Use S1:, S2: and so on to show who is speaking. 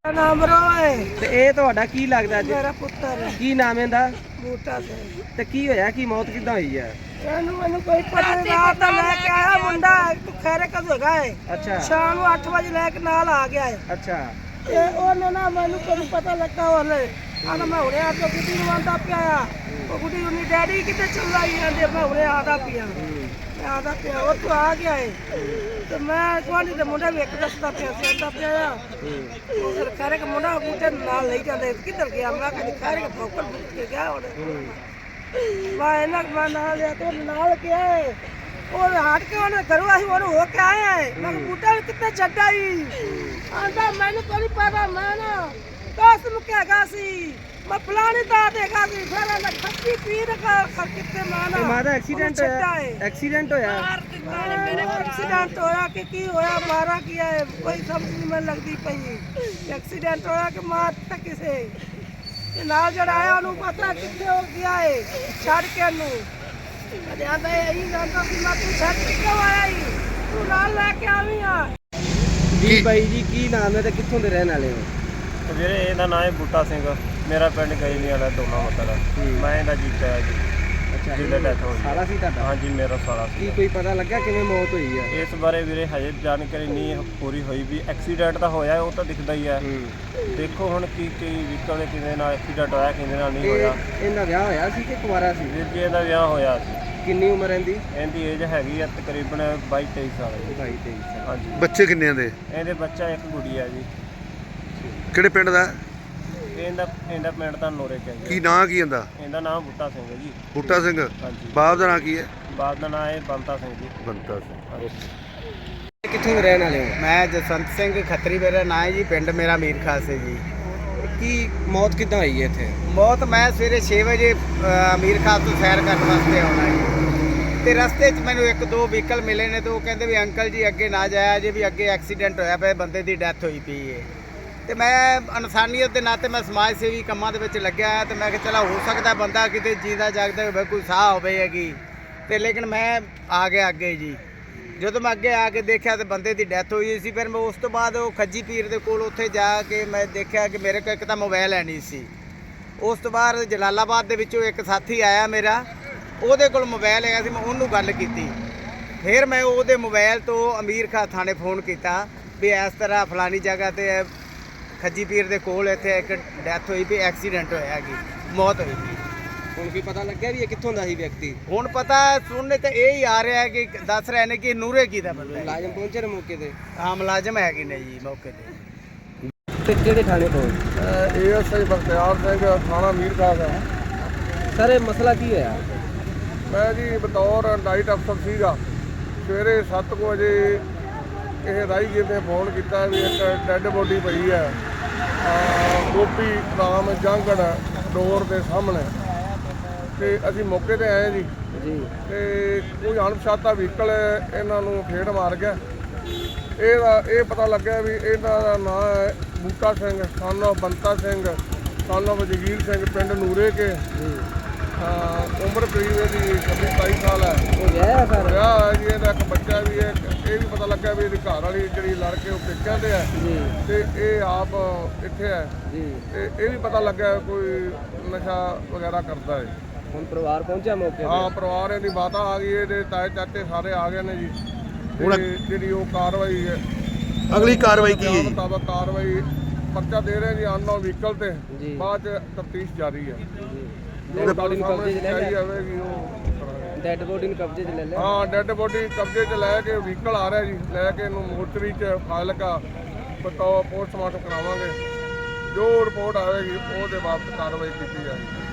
S1: ਨਾਮ ਰੋਏ
S2: ਤੇ ਇਹ ਤੁਹਾਡਾ ਕੀ ਲੱਗਦਾ ਜੀ?
S1: ਮੇਰਾ ਪੁੱਤਰ ਹੈ
S2: ਕੀ ਨਾਮ ਇਹਦਾ?
S1: ਬੂਟਾ ਸਿੰਘ।
S2: ਤੇ ਕੀ ਹੋਇਆ, ਕੀ ਮੌਤ ਕਿੱਦਾਂ ਹੋਈ ਹੈ?
S1: ਮੈਨੂੰ ਕੋਈ ਪਤਾ ਨਹੀਂ। ਰਾਤ ਦਾ ਲੈ ਕੇ ਆਇਆ ਮੁੰਡਾ, ਖੈਰੇ ਕਦੋਂ ਹੈਗਾ ਹੈ।
S2: ਅੱਛਾ
S1: ਸ਼ਾਮ ਨੂੰ 8 ਵਜੇ ਲੈ ਕੇ ਨਾਲ ਆ ਗਿਆ ਹੈ।
S2: ਅੱਛਾ
S1: ਤੇ ਉਹਨੇ ਨਾ ਮੈਨੂੰ ਕੋਈ ਪਤਾ ਲੱਗਾ ਉਹਨੇ ਆਂਦਾ ਮੈਂ ਹੁਣੇ ਆ ਕੇ ਗੁੱਡੀ ਨੂੰ ਆਂਦਾ ਪਿਆ ਆ। ਉਹ ਗੁੱਡੀ ਉਹਨੀ ਡੈਡੀ ਕਿਤੇ ਚੱਲਾ ਹੀ ਜਾਂਦੇ ਮੈਂ ਹੁਣੇ ਆਦਾ ਪਿਆ। ਮੈਂ ਆਦਾ ਪਿਆ ਉਹ ਤੋਂ ਆ ਗਿਆ ਹੈ। ਤੇ ਮੈਂ ਤੁਹਾਡੀ ਦੇ ਮੁੰਡੇ ਵੀ ਇੱਕ ਦੱਸਦਾ ਪਿਆ ਸੀ ਆਂਦਾ ਪਿਆ ਆ। ਉਹ ਫਿਰ ਖੈਰੇ ਕਿ ਮੁੰਡਾ ਬੂਟੇ ਨਾਲ ਲਈ ਜਾਂਦੇ ਕਿੱਧਰ ਗਿਆ? ਮੈਂ ਕਹਿੰਦੀ ਖੈਰੇ ਕਿ ਫੋਕਲ ਬੁੱਟ ਕੇ ਗਿਆ ਉਹਨੇ। ਮੈਂ ਇਹਨਾਂ ਮੈਂ ਨਾਲ ਲਿਆ ਤੇ ਨਾਲ ਗਿਆ ਉਹ ਹਟ ਕੇ ਉਹਨੇ ਕਰਵਾ ਸੀ ਉਹਨੂੰ ਹੋ ਕੇ ਆਇਆ ਹੈ। ਮੈਂ ਬੂਟਾ ਨੂੰ ਕਿੱਥੇ ਛੱਡਾ ਹੀ ਆਂਦਾ ਮੈਨੂੰ ਕੋਈ ਪਤਾ। ਮੈਂ ਨਾ ਦੋਸਤ ਨੂੰ ਕਹਿਗਾ ਸੀ ਮੈਂ ਫਲਾਣੀ ਦਾ ਦੇਗਾ ਸੀ। ਫਿਰ ਮੈਂ ਖੱਤੀ ਪੀਰ ਕਿੱਥੇ ਮਾਨਾ
S2: ਮਾਦਾ ਐਕਸੀਡੈਂਟ ਹੋਇਆ? ਐਕਸੀਡੈਂਟ ਹੋਇਆ?
S1: ਐਕਸੀਡੈਂਟ ਹੋਇਆ ਕਿ ਕੀ ਹੋਇਆ? ਮਾਰਾ ਕੀ ਹੈ ਕੋਈ ਸਮਝ ਨਹੀਂ ਮੈਨੂੰ ਲੱਗਦੀ ਪਈ। ਐਕਸੀਡੈਂਟ ਹੋਇਆ ਕਿ ਮਾਰ ਤਾਂ ਕਿਸੇ ਤੇ ਨਾਲ ਜਿਹੜਾ ਆਇਆ ਉਹਨੂੰ ਪਤਾ ਕਿੱਥੇ ਹੋ ਗਿਆ ਹੈ ਛੱਡ ਕੇ ਨੂੰ ਜਿਆਦਾ ਇਹੀ ਜਾਂਦਾ ਕਿ ਮੈਂ ਤੂੰ ਛੱਡ ਕੇ ਕਿਉਂ ਆਇਆ ਹੀ ਤੂੰ ਨਾਲ ਲੈ ਕੇ ਆਵੀਂ ਆ।
S2: ਜੀ ਬਾਈ ਜੀ, ਕੀ ਨਾਮ ਹੈ ਤੇ ਕਿੱਥੋਂ ਦੇ ਰਹਿਣ ਵਾਲੇ ਹੋ?
S3: ਵੀਰੇ ਇਹਦਾ ਨਾਮ ਹੈ ਬੂਟਾ ਸਿੰਘ। ਮੇਰਾ ਪਿੰਡ ਗਈਲੀ ਵਾਲਾ ਦੋਨਾ ਮਤਲਬ ਮੈਂ ਇਹਦਾ ਜੀਤਾ ਹੈ ਜੀ।
S2: ਅੱਛਾ
S3: ਜਿਹਦਾ ਡੈਥ ਹੋਈ
S2: ਸਾਰਾ ਸੀ ਤੁਹਾਡਾ?
S3: ਹਾਂਜੀ ਮੇਰਾ ਸਾਰਾ
S2: ਕੀ
S3: ਸੀ।
S2: ਕੋਈ ਪਤਾ ਲੱਗਾ ਕਿਵੇਂ ਮੌਤ ਹੋਈ ਹੈ?
S3: ਇਸ ਬਾਰੇ ਵੀਰੇ ਹਜੇ ਜਾਣਕਾਰੀ ਨਹੀਂ ਪੂਰੀ ਹੋਈ ਵੀ ਐਕਸੀਡੈਂਟ ਤਾਂ ਹੋਇਆ ਉਹ ਤਾਂ ਦਿਖਦਾ ਹੀ ਹੈ। ਦੇਖੋ ਹੁਣ ਕੀ ਵਹੀਕਲ ਦੇ ਕਿਹਦੇ ਨਾਲ ਐਕਸੀਡੈਂਟ ਹੋਇਆ ਕਿਹਦੇ ਨਾਲ ਨਹੀਂ ਹੋਇਆ।
S2: ਇਹਦਾ ਵਿਆਹ ਹੋਇਆ ਸੀ ਕਿ ਕੁਆਰਾ ਸੀ?
S3: ਵੀਰ ਜੀ ਇਹਦਾ ਵਿਆਹ ਹੋਇਆ ਸੀ।
S2: ਕਿੰਨੀ ਉਮਰ ਇਹਦੀ?
S3: ਇਹਦੀ ਏਜ ਹੈਗੀ ਆ ਤਕਰੀਬਨ 22-23 ਸਾਲ ਜੀ।
S2: 22-23 ਸਾਲ।
S3: ਹਾਂਜੀ
S4: ਬੱਚੇ ਕਿੰਨੇ ਦੇ?
S3: ਇਹਦੇ ਬੱਚਾ ਇੱਕ ਗੁੜੀਆ ਜੀ।
S4: ਕਿਹੜੇ ਪਿੰਡ ਦਾ?
S3: ਇਹਦਾ ਪਿੰਡ ਤਾਂ ਨੋਰੇ ਕਿਹਾ ਜੀ।
S4: ਕੀ ਨਾਂ ਕੀ ਇਹਦਾ?
S3: ਇਹਦਾ ਨਾਮ ਬੂਟਾ ਸਿੰਘ ਹੈ ਜੀ।
S4: ਬੂਟਾ ਸਿੰਘ।
S3: ਹਾਂਜੀ
S4: ਬਾਪ ਦਾ ਨਾਂ ਕੀ ਹੈ?
S3: ਬਾਪ ਦਾ ਨਾਮ ਹੈ ਬੰਤਾ ਸਿੰਘ ਜੀ।
S4: ਬੰਤਾ ਸਿੰਘ।
S2: ਕਿੱਥੋਂ ਦੇ ਰਹਿਣ ਵਾਲੇ ਹੋ?
S5: ਮੈਂ ਜਸਵੰਤ ਸਿੰਘ ਖੱਤਰੀ ਮੇਰਾ ਨਾਂ ਹੈ ਜੀ। ਪਿੰਡ ਮੇਰਾ ਮੀਰ ਖਾਸ ਹੈ ਜੀ।
S2: ਕੀ ਮੌਤ ਕਿੱਦਾਂ ਹੋਈ ਹੈ ਇੱਥੇ?
S5: ਮੌਤ ਮੈਂ ਸਵੇਰੇ 6 ਵਜੇ ਮੀਰ ਖਾਸ ਤੋਂ ਸੈਰ ਕਰਨ ਵਾਸਤੇ ਆਉਣਾ ਜੀ। ਤੇ ਰਸਤੇ 'ਚ ਮੈਨੂੰ ਇੱਕ ਦੋ ਵਹੀਕਲ ਮਿਲੇ ਨੇ ਤੇ ਉਹ ਕਹਿੰਦੇ ਵੀ ਅੰਕਲ ਜੀ ਅੱਗੇ ਨਾ ਜਾਇਆ ਜੇ ਵੀ ਅੱਗੇ ਐਕਸੀਡੈਂਟ ਹੋਇਆ ਪਿਆ ਬੰਦੇ ਦੀ ਡੈਥ ਹੋਈ ਪਈ ਹੈ। ਤੇ ਮੈਂ ਇਨਸਾਨੀਅਤ ਦੇ ਨਾਤੇ ਮੈਂ ਸਮਾਜ ਸੇਵੀ ਕੰਮਾਂ ਦੇ ਵਿੱਚ ਲੱਗਿਆ ਹੋਇਆ ਤੇ ਮੈਂ ਕਿਹਾ ਚਲਾ ਹੋ ਸਕਦਾ ਬੰਦਾ ਕਿਤੇ ਜੀਦਾ ਜਾਗਦਾ ਹੋਵੇ ਕੋਈ ਸਾਹ ਹੋਵੇ ਹੈਗੀ। ਤੇ ਲੇਕਿਨ ਮੈਂ ਆ ਗਿਆ ਅੱਗੇ ਜੀ। ਜਦੋਂ ਮੈਂ ਅੱਗੇ ਆ ਕੇ ਦੇਖਿਆ ਤੇ ਬੰਦੇ ਦੀ ਡੈਥ ਹੋਈ ਸੀ। ਫਿਰ ਮੈਂ ਉਸ ਤੋਂ ਬਾਅਦ ਉਹ ਖੱਜੀ ਪੀਰ ਦੇ ਕੋਲ ਉੱਥੇ ਜਾ ਕੇ ਮੈਂ ਦੇਖਿਆ ਕਿ ਮੇਰੇ ਕੋਲ ਇੱਕ ਤਾਂ ਮੋਬਾਈਲ ਹੈ ਨਹੀਂ ਸੀ। ਉਸ ਤੋਂ ਬਾਅਦ ਜਲਾਲਾਬਾਦ ਦੇ ਵਿੱਚੋਂ ਇੱਕ ਸਾਥੀ ਆਇਆ ਮੇਰਾ, ਉਹਦੇ ਕੋਲ ਮੋਬਾਈਲ ਹੈਗਾ ਸੀ। ਮੈਂ ਉਹਨੂੰ ਗੱਲ ਕੀਤੀ। ਫਿਰ ਮੈਂ ਉਹਦੇ ਮੋਬਾਈਲ ਤੋਂ ਅਮੀਰ ਖਾਂ ਥਾਣੇ ਫੋਨ ਕੀਤਾ ਵੀ ਇਸ ਤਰ੍ਹਾਂ ਫਲਾਣੀ ਜਗ੍ਹਾ 'ਤੇ ਖੱਜੀ ਪੀਰ ਦੇ ਕੋਲ ਇੱਥੇ ਇੱਕ ਡੈਥ ਹੋਈ ਵੀ ਐਕਸੀਡੈਂਟ ਹੋਇਆ ਹੈਗੀ, ਮੌਤ ਹੋਈ ਸੀ।
S2: ਹੁਣ ਕੀ ਪਤਾ ਲੱਗਿਆ ਵੀ ਇਹ ਕਿੱਥੋਂ ਦਾ ਸੀ ਵਿਅਕਤੀ?
S5: ਹੁਣ ਪਤਾ ਸੁਣਨੇ ਤੇ ਇਹ ਹੀ ਆ ਰਿਹਾ ਕਿ ਦੱਸ ਰਹੇ ਨੇ ਕਿ ਨੂਰੇ ਕੀ ਦਾ ਬੰਦਾ ਹੈ।
S2: ਮੁਲਾਜ਼ਮ ਪਹੁੰਚੇ ਨੇ ਮੌਕੇ ਤੇ?
S5: ਹਾਂ ਮੁਲਾਜ਼ਮ ਹੈਗੇ ਨੇ ਜੀ ਮੌਕੇ ਤੇ।
S2: ਤੇ ਕਿਹੜੇ ਥਾਣੇ ਤੋਂ?
S6: ASI ਬਖਤਿਆਰ ਸਿੰਘ, ਥਾਣਾ ਮੀਰ ਖਾਸ ਹੈ।
S2: ਸਰ ਇਹ ਮਸਲਾ ਕੀ ਹੋਇਆ?
S6: ਮੈਂ ਜੀ ਬਤੌਰ ਨਾਈਟ ਅਫਸਰ ਸੀਗਾ। ਸਵੇਰੇ 7 ਵਜੇ ਇਹ ਰਾਹਗੀਰ ਨੇ ਫੋਨ ਕੀਤਾ ਵੀ ਇੱਕ ਡੈੱਡ ਬੋਡੀ ਪਈ ਹੈ ਗੋਪੀ ਰਾਮ ਜੰਗੜ ਡੋਰ ਦੇ ਸਾਹਮਣੇ। ਤੇ ਅਸੀਂ ਮੌਕੇ ਤੇ ਆਏ ਜੀ। ਤੇ ਕੋਈ ਅਣਪਛਾਤਾ ਵਹੀਕਲ ਇਹਨਾਂ ਨੂੰ ਫੇਟ ਮਾਰ ਗਿਆ। ਇਹ ਪਤਾ ਲੱਗਿਆ ਵੀ ਇਹਨਾਂ ਦਾ ਨਾਮ ਹੈ Buta Singh son of Banta Singh son of Jagir Singh, ਪਿੰਡ ਨੂਰੇ ਕੇ। ਉਮਰ ਕਰੀਬ ਇਹਦੀ 26-27 ਸਾਲ ਹੈ।
S2: ਉਹ ਵਿਆਹਿਆ ਸਰ?
S6: ਵਿਆਹ ਹੈ ਜੀ। ਇਹਦਾ ਇੱਕ ਬੱਚਾ ਵੀ ਹੈ। ਇਹ ਵੀ ਪਤਾ ਲੱਗਾ ਵੀ ਇਹਦੀ ਘਰ ਵਾਲੀ ਜਿਹੜੀ ਲੜ ਕੇ ਉਹ ਪੇਕਿਆਂ ਤੇ ਹੈ ਤੇ ਇਹ ਆਪ ਇੱਥੇ ਹੈ। ਤੇ ਇਹ ਵੀ ਪਤਾ ਲੱਗਾ ਕੋਈ ਨਸ਼ਾ ਵਗੈਰਾ ਕਰਦਾ ਹੈ।
S2: ਹੁਣ ਪਰਿਵਾਰ ਪਹੁੰਚਿਆ ਮੌਕੇ ਤੇ?
S6: ਹਾਂ ਪਰਿਵਾਰ ਇਹਦੀ ਮਾਤਾ ਆ ਗਈ, ਇਹਦੇ ਤਾਏ ਚਾਚੇ ਸਾਰੇ ਆ ਗਏ ਨੇ ਜੀ। ਹੁਣ ਜਿਹੜੀ ਉਹ ਕਾਰਵਾਈ ਹੈ
S4: ਅਗਲੀ ਕਾਰਵਾਈ ਕੀ ਹੈ?
S6: ਮੁਤਾਬਕ ਕਾਰਵਾਈ ਪਰਚਾ ਦੇ ਰਹੇ ਜੀ ਅਨਨੋਨ ਵਹੀਕਲ ਤੇ। ਬਾਅਦ ਚ ਤਫਤੀਸ਼ ਜਾਰੀ ਹੈ।
S2: ਡੈਡ ਬੋਡੀ ਨੂੰ ਕਬਜ਼ੇ 'ਚ ਲੈ ਲਿਆ?
S6: ਜਾਵੇਗੀ ਉਹ
S2: ਡੈਡ ਬੋਡੀ ਨੂੰ ਕਬਜ਼ੇ 'ਚ ਲੈ ਲਿਆ?
S6: ਹਾਂ ਡੈੱਡ ਬੋਡੀ ਕਬਜ਼ੇ 'ਚ ਲੈ ਕੇ ਵਹੀਕਲ ਆ ਰਿਹਾ ਜੀ। ਲੈ ਕੇ ਇਹਨੂੰ ਮੋਰਚਰੀ 'ਚ ਫਾਜ਼ਿਲਕਾ ਪੋਸਟਮਾਰਟਮ ਕਰਾਵਾਂਗੇ। ਜੋ ਰਿਪੋਰਟ ਆਵੇਗੀ ਉਹਦੇ ਬਾਬਤ ਕਾਰਵਾਈ ਕੀਤੀ ਜਾਏਗੀ।